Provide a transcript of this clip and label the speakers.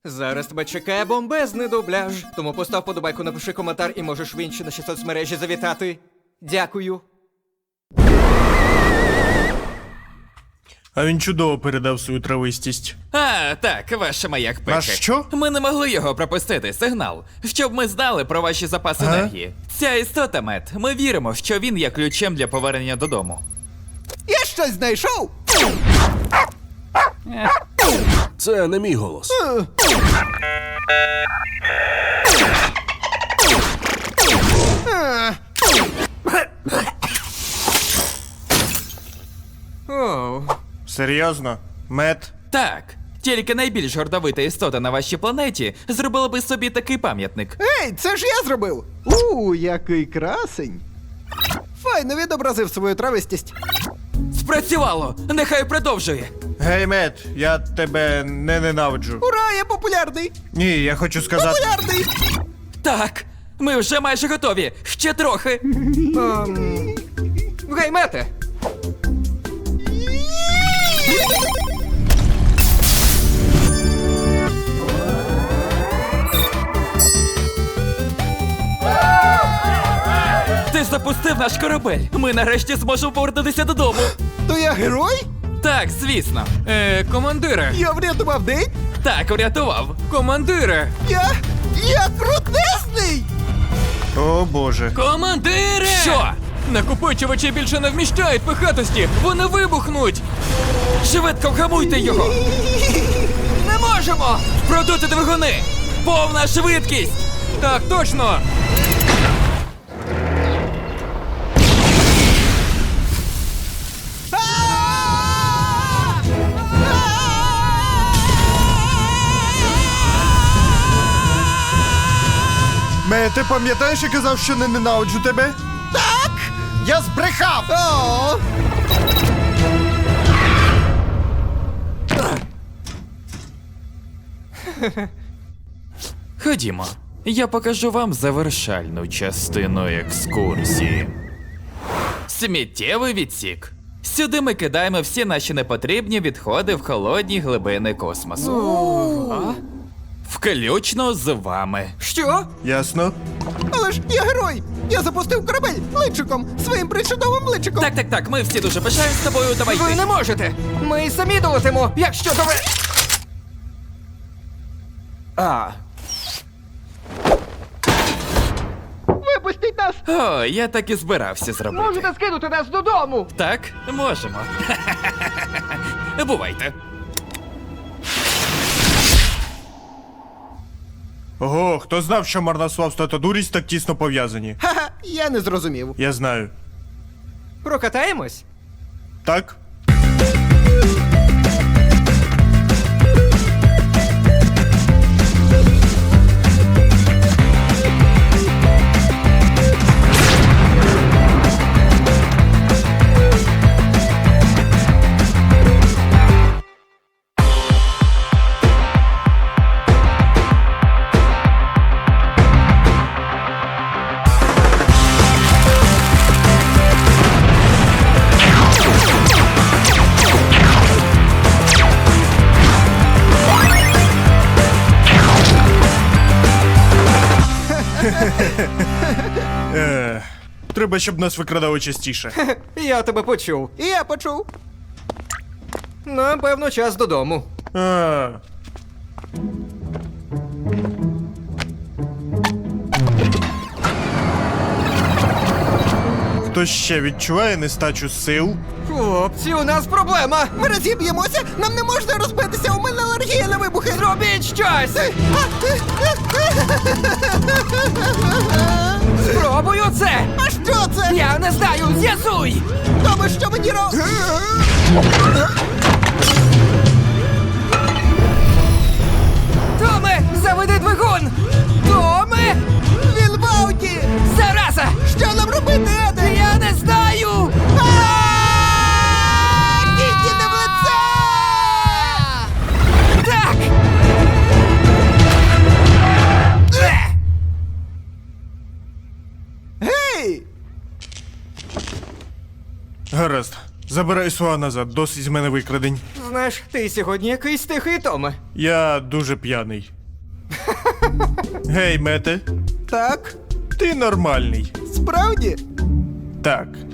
Speaker 1: Зараз тебе чекає бомбезний дубляж, тому постав подобайку, напиши коментар і можеш в інші наші соцмережі завітати. Дякую.
Speaker 2: А він чудово передав свою травистість.
Speaker 3: А, так, ваш маяк пеки.
Speaker 2: Наш що?
Speaker 3: Ми не могли його пропустити, сигнал, щоб ми знали про ваші запаси
Speaker 2: Ага.
Speaker 3: енергії. Ця істота, Мет, ми віримо, що він є ключем для повернення додому.
Speaker 4: Я щось знайшов!
Speaker 5: Це не мій голос.
Speaker 1: Оу.
Speaker 2: Серйозно? Мет?
Speaker 3: Так, тільки найбільш гордовита істота на вашій планеті зробила би собі такий пам'ятник.
Speaker 4: Ей, це ж я зробив! Який красень! Файно відобразив свою травистість.
Speaker 3: Спрацювало! Нехай продовжує!
Speaker 2: Гей, Мет, я тебе не ненавиджу.
Speaker 4: Ура, я популярний!
Speaker 2: Ні, я хочу сказати.
Speaker 4: Популярний!
Speaker 3: Так, ми вже майже готові. Ще трохи.
Speaker 1: Гей, Мете!
Speaker 3: Ти запустив наш корабель. Ми нарешті зможемо повернутися додому.
Speaker 4: То я герой?
Speaker 3: Так, звісно. Командире.
Speaker 4: Я врятував день?
Speaker 3: Так, врятував. Командире.
Speaker 4: Я крутезний!
Speaker 2: О боже.
Speaker 3: Командире! Що? Накопичувачі більше не вміщають пихатості. Вони вибухнуть. Швидко вгамуйте його. Не можемо! Продути двигуни! Повна швидкість! Так, точно!
Speaker 2: Мет, ти пам'ятаєш, я казав, що не ненавиджу тебе?
Speaker 4: Так!
Speaker 2: Я збрехав!
Speaker 4: О!
Speaker 3: Ходімо. Я покажу вам завершальну частину екскурсії. Сміттєвий відсік. Сюди ми кидаємо всі наші непотрібні відходи в холодні глибини космосу. Включно з вами.
Speaker 1: Що?
Speaker 2: Ясно.
Speaker 4: Але ж я герой! Я запустив корабель личиком, своїм причудовим личиком!
Speaker 3: Так, ми всі дуже пишаємо з тобою, давай
Speaker 1: Ви
Speaker 3: йди.
Speaker 1: не можете! Ми й самі долетимо, якщо то ви...
Speaker 4: Випустіть нас!
Speaker 3: О, я так і збирався зробити.
Speaker 1: Можете скинути нас додому!
Speaker 3: Так, можемо. Бувайте.
Speaker 2: Ого, хто знав, що марнославство та дурість так тісно пов'язані?
Speaker 4: Ха-ха, я не зрозумів.
Speaker 2: Я знаю.
Speaker 1: Прокатаємось?
Speaker 2: Так? Треба, щоб нас викрадали частіше.
Speaker 1: Я тебе почув.
Speaker 4: І я почув.
Speaker 1: Нам, певно, час додому.
Speaker 2: А. Хтось ще відчуває нестачу сил?
Speaker 1: Хлопці, у нас проблема!
Speaker 4: Ми розіб'ємося, нам не можна розбитися, у мене алергія на вибухи.
Speaker 1: Зробіть щось! Спробую це!
Speaker 4: А що це?
Speaker 1: Я не знаю, з'ясуй!
Speaker 4: Тому що мені
Speaker 1: Томе, заведи двигун! Томе!
Speaker 4: Він в ауті!
Speaker 1: Зараза!
Speaker 4: Що нам робити, Еде?
Speaker 1: Я не знаю!
Speaker 4: Тільки не в лице!
Speaker 1: Так!
Speaker 4: Гей!
Speaker 2: Гаразд. Забирай слова назад, досить з мене викрадень.
Speaker 1: Знаєш, ти сьогодні якийсь тихий, Томе.
Speaker 2: Я дуже п'яний. Гей, Мете,
Speaker 4: Так,
Speaker 2: ти нормальний.
Speaker 4: справді?
Speaker 2: Так.